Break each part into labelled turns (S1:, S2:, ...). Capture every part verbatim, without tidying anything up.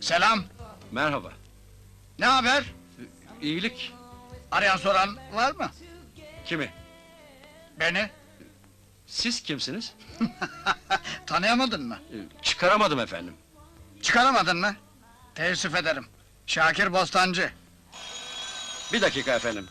S1: Selam.
S2: Merhaba.
S1: Ne haber?
S2: İyilik.
S1: Arayan soran var mı?
S2: Kimi?
S1: Beni.
S2: Siz kimsiniz?
S1: Tanıyamadın mı?
S2: Ee, Çıkaramadım efendim.
S1: Çıkaramadın mı? Teessüf ederim. Şakir Bostancı.
S2: Bir dakika efendim.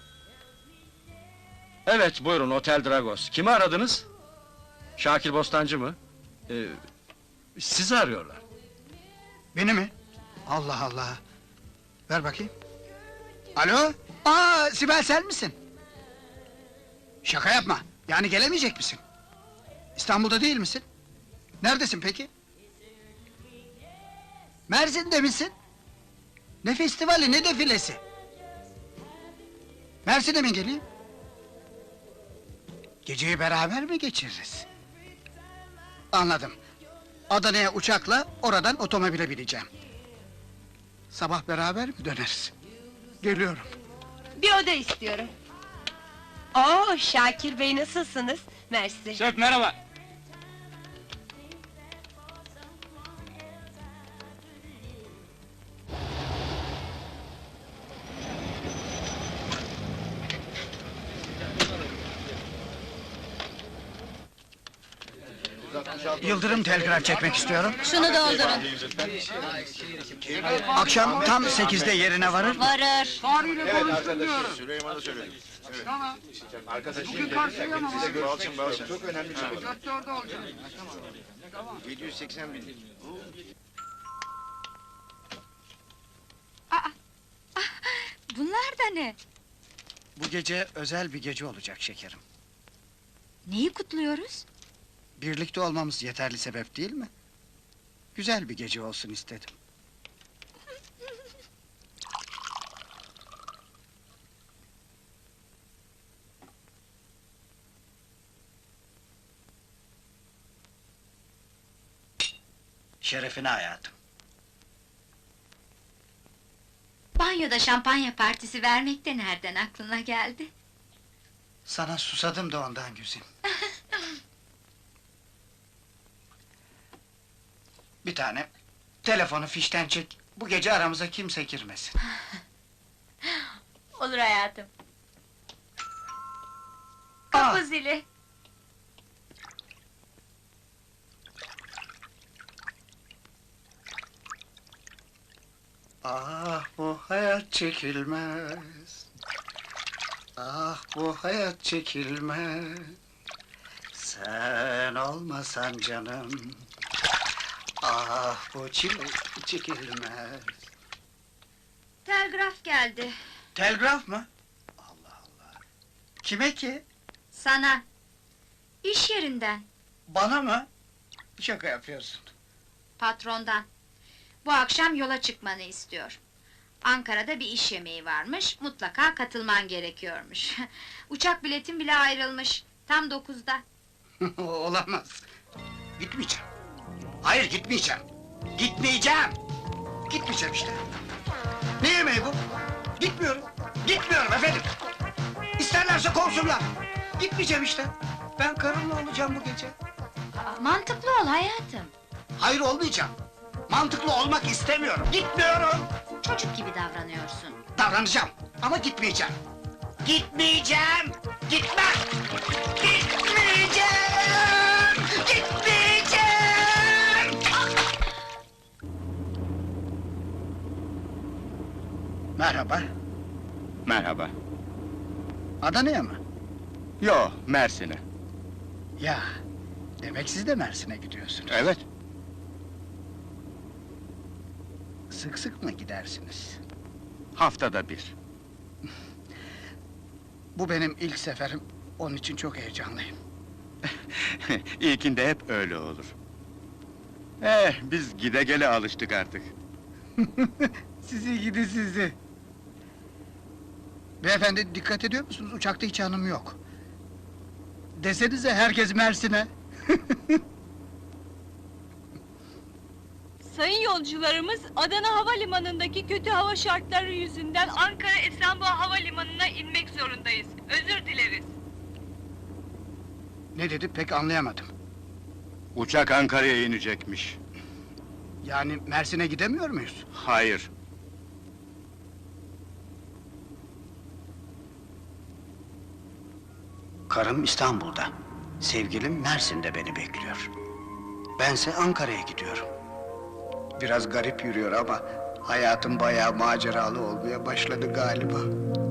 S2: Evet, buyurun, Otel Dragos. Kimi aradınız? Şakir Bostancı mı? Ee, sizi arıyorlar.
S1: Beni mi? Allah Allah! Ver bakayım. Alo? Aa, Sibel sen misin? Şaka yapma! Yani gelemeyecek misin? İstanbul'da değil misin? Neredesin peki? Mersin'de misin? Ne festivali, ne defilesi? Mersin'e mi geleyim? Geceyi beraber mi geçiririz? Anladım. Adana'ya uçakla, oradan otomobile bineceğim. Sabah beraber mi döneriz? Geliyorum.
S3: Bir oda istiyorum. Oo, Şakir Bey nasılsınız? Mersi.
S2: Şef merhaba.
S1: Yıldırım telgraf çekmek istiyorum.
S3: Şunu doldurun.
S1: Akşam tam sekizde yerine varır.
S3: Varır.
S1: Tarihle konuştum diyorum.
S4: Süleyman'a söyledim. Evet.
S1: Tamam.
S4: Arkadaşım
S1: Bugün karşıya mı
S4: size
S1: var?
S4: gör- Balçın, Balçın. Çok önemli çalışma.
S1: Dörtte orada olacak. Tamam.
S4: yedi yüz seksen bin.
S3: Bunlar da ne?
S1: Bu gece özel bir gece olacak şekerim.
S3: Neyi kutluyoruz?
S1: Birlikte olmamız yeterli sebep değil mi? Güzel bir gece olsun istedim. Şerefine hayatım.
S5: Banyoda şampanya partisi vermek de nereden aklına geldi?
S1: Sana susadım da ondan güzim. Bir tane telefonu fişten çek. Bu gece aramıza kimse girmesin.
S5: Olur hayatım.
S1: Aa!
S5: Kapı zili.
S1: Ah bu hayat çekilmez. Ah bu hayat çekilmez. Sen olmasan canım. Ah bu çile çekilmez.
S5: Telgraf geldi.
S1: Telgraf mı? Allah Allah. Kime ki?
S5: Sana. İş yerinden.
S1: Bana mı? Şaka yapıyorsun.
S5: Patrondan. Bu akşam yola çıkmanı istiyor. Ankara'da bir iş yemeği varmış, mutlaka katılman gerekiyormuş. Uçak biletin bile ayrılmış, tam dokuzda.
S1: Olamaz. Gitmeyeceğim. Hayır gitmeyeceğim. Gitmeyeceğim. Gitmeyeceğim işte. Ne yemeği bu? Gitmiyorum. Gitmiyorum efendim. İsterlerse kovsunlar. Gitmeyeceğim işte. Ben karımla olacağım bu gece.
S5: Aa, mantıklı ol hayatım.
S1: Hayır olmayacağım. Mantıklı olmak istemiyorum. Gitmiyorum.
S5: Çocuk gibi davranıyorsun.
S1: Davranacağım ama gitmeyeceğim. Gitmeyeceğim. Gitmem. Gitmeyeceğim. Gitmeyeceğim. Merhaba.
S6: Merhaba.
S1: Adana'ya mı?
S6: Yo, Mersin'e.
S1: Ya, demek siz de Mersin'e gidiyorsunuz.
S6: Evet.
S1: Sık sık mı gidersiniz?
S6: Haftada bir.
S1: Bu benim ilk seferim, onun için çok heyecanlıyım.
S6: İlkinde hep öyle olur. Eh, biz gide gele alıştık artık.
S1: Sizi gidi sizi! Beyefendi, dikkat ediyor musunuz? Uçakta hiç hanım yok. Desenize herkes Mersin'e!
S7: Sayın yolcularımız, Adana Havalimanı'ndaki kötü hava şartları yüzünden Ankara Esenboğa Havalimanı'na inmek zorundayız. Özür dileriz.
S1: Ne dedi pek anlayamadım.
S6: Uçak Ankara'ya inecekmiş.
S1: Yani Mersin'e gidemiyor muyuz?
S6: Hayır.
S1: Karım İstanbul'da. Sevgilim Mersin'de beni bekliyor. Bense Ankara'ya gidiyorum. Biraz garip yürüyor ama hayatım bayağı maceralı olmaya başladı galiba.